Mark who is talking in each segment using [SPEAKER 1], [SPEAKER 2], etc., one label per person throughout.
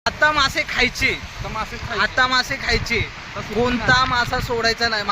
[SPEAKER 1] आता मासे खायचे, आता मासे खायचे, कोणता मासा सोडायचा नाही.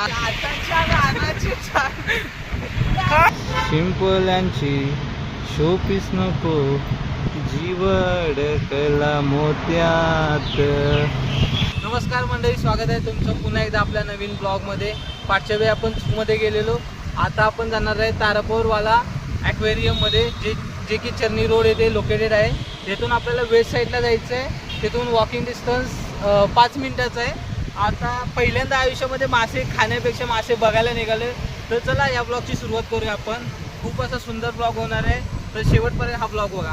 [SPEAKER 1] शिंपल्यांची शोपीस नको, जीवड कला मोत्यात. नमस्कार मंडळी, स्वागत आहे तुमचं पुन्हा एकदा आपल्या नवीन ब्लॉगमध्ये. पाचव्या वेळी आपण मध्ये गेलेलो, आता आपण जाणार आहे तारापूरवाला ॲक्वेरियममध्ये, जे की चर्नी रोड येथे लोकेटेड आहे. तिथून आपल्याला वेस्ट साईडला जायचं आहे. तिथून वॉकिंग डिस्टन्स 5 मिनिटाचं आहे. आता पहिल्यांदा आयुष्यामध्ये मासे खाण्यापेक्षा मासे बघायला निघाले, तर चला या ब्लॉगची सुरुवात करूया आपण. खूप असा सुंदर ब्लॉग होणार आहे, तर शेवटपर्यंत हा ब्लॉग बघा.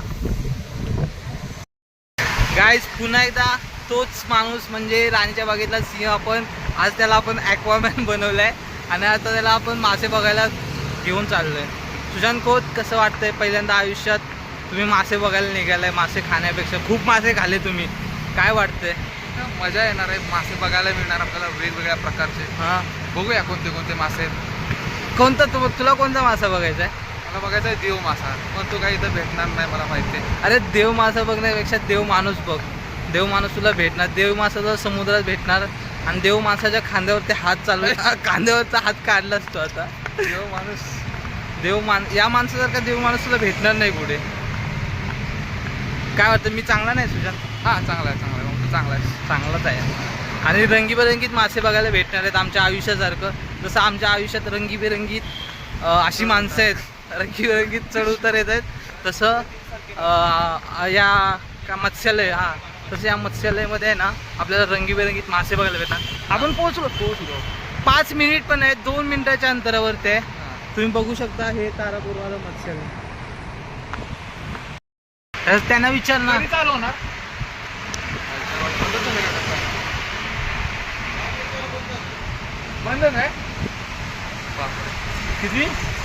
[SPEAKER 1] गाईज, पुन्हा एकदा तोच माणूस म्हणजे राणीच्या बागेतला सिंह. आपण आज त्याला आपण ॲक्वामॅन बनवलं आहे आणि आता त्याला आपण मासे बघायला घेऊन चाललो आहे. सुशांत खोत, कसं वाटतंय पहिल्यांदा आयुष्यात तुम्ही मासे बघायला निघालाय? मासे खाण्यापेक्षा खूप मासे खाल्ले तुम्ही, काय वाटतंय?
[SPEAKER 2] मजा येणार आहे, मासे बघायला मिळणार आपल्याला वेगवेगळ्या प्रकारचे.
[SPEAKER 1] हां,
[SPEAKER 2] बघूया कोणते कोणते मासे आहेत.
[SPEAKER 1] कोणता तुला कोणता मासा बघायचा आहे?
[SPEAKER 2] मला बघायचा आहे देव मासा, पण तो काही इथं भेटणार नाही मला माहिती आहे.
[SPEAKER 1] अरे देव मासा बघण्यापेक्षा देव माणूस बघ. देव माणूस तुला भेटणार. देव मासा तुला समुद्रात भेटणार आणि देव माणसाच्या खांद्यावरती हात चालू खांद्यावरचा हात काढलाच तो आता.
[SPEAKER 2] देव माणूस,
[SPEAKER 1] या माणसासारखा देव माणूस तुला भेटणार नाही पुढे. काय वाटतं, मी चांगला नाही सुशांत?
[SPEAKER 2] हां चांगला आहे, चांगला आहे, मग तो चांगला आहे,
[SPEAKER 1] चांगलाच आहे. आणि रंगीबेरंगीत मासे बघायला भेटणार आहेत आमच्या आयुष्यासारखं. जसं आमच्या आयुष्यात रंगीबेरंगीत अशी माणसं आहेत, रंगीबेरंगीत चढ उतार येत आहेत, तसं या का मत्स्यालय, तसं या मत्स्यालयामध्ये आहे ना, आपल्याला रंगीबेरंगीत मासे बघायला भेटतात. आपण पोहोचलो 5 मिनिट पण आहे, 2 मिनिटाच्या अंतरावरती आहे. तुम्ही बघू शकता, हे तारापूरवाला मत्स्यालय. तर त्यांना विचार ना,
[SPEAKER 2] चालू होणार. बंद नाही
[SPEAKER 1] किती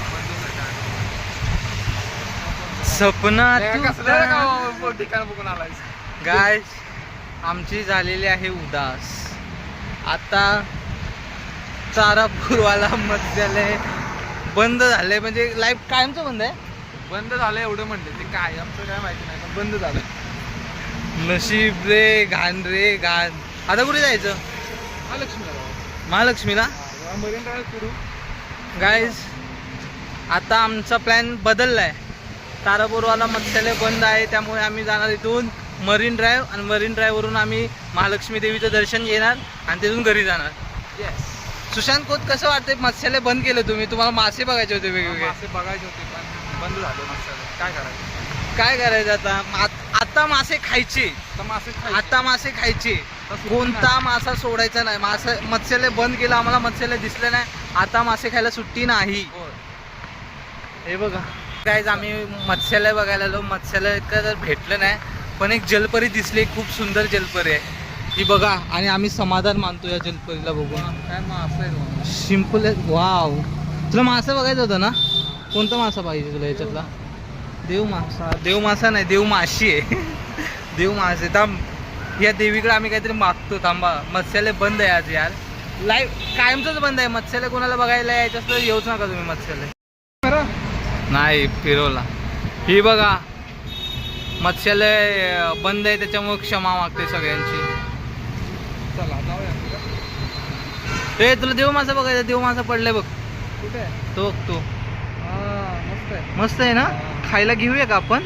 [SPEAKER 1] सपना
[SPEAKER 2] ठिकाण बघून आलाय.
[SPEAKER 1] गाय आमची झालेली आहे उदास. आता तारापूरवाला मत्स्यालय बंद झालंय, म्हणजे लाईफ कायमचं बंद आहे.
[SPEAKER 2] बंद झालं एवढं म्हणले, ते काय आमचं काय माहिती नाही, पण बंद झालं.
[SPEAKER 1] नशीब रे घाण रे घाण. आता कुठे जायचं? महालक्ष्मीला.
[SPEAKER 2] मरीन ड्राईव्ह फिरू.
[SPEAKER 1] गाईज, आता आमचा प्लॅन बदलला आहे. तारापूरवाला मत्स्यालय बंद आहे, त्यामुळे आम्ही जाणार इथून मरीन ड्राईव्ह, आणि मरीन ड्राईव्हवरून आम्ही महालक्ष्मी देवीचं दर्शन घेणार आणि तिथून घरी जाणार.
[SPEAKER 2] येस.
[SPEAKER 1] सुशांत खोत, कसं वाटतंय मत्स्यालय बंद केलं तुम्ही? तुम्हाला मासे बघायचे होते वेगवेगळे.
[SPEAKER 2] मासे बघायचे होते पण बंद झालं मस्त. काय करायचं?
[SPEAKER 1] काय करायचं आता? आता मासे खायचे, आता मासे खायचे, कोणता मासा सोडायचा नाही. मत्स्यालय बंद केलं, आम्हाला मत्स्यालय दिसलं नाही. आता मासे खायला सुट्टी नाही. हे बघा काय, आम्ही मत्स्यालय बघायला आलो. मत्स्यालय तर भेटलं नाही, पण एक जलपरी दिसली, खूप सुंदर जलपरी आहे ही बघा. आणि आम्ही समाधान मानतो या जलपरीला बघून.
[SPEAKER 2] काय मासा आहे?
[SPEAKER 1] सिंपल आहे. वाव, तुला मासा बघायचा होता ना? कोणता मासा पाहिजे तुला याच्यातला? देव मासा. देव मासा नाही, देव माशी आहे. देव मासे. थांब, या देवीकडे आम्ही काहीतरी मागतो. थांबा, मत्स्यालय बंद आहे आज यार. लाईव्ह कायमचंच बंद आहे. मत्स्यालय कोणाला बघायला यायचं असलं येऊच नका तुम्ही मत्स्यालय. नाही फिरवला. ही बघा मत्स्यालय बंद आहे, त्याच्यामुळे क्षमा मागते सगळ्यांची.
[SPEAKER 2] चला जाऊया.
[SPEAKER 1] ए, तुला देव मासा बघायचा? देव मासा पडलाय बघ.
[SPEAKER 2] कुठे आहे?
[SPEAKER 1] तो तो
[SPEAKER 2] मस्त आहे.
[SPEAKER 1] मस्त आहे ना? खायला घेऊया का आपण?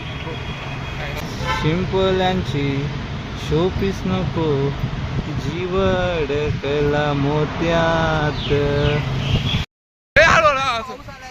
[SPEAKER 1] शिंपल्यांची शोपीस नको, जीवड कला मोत्यात.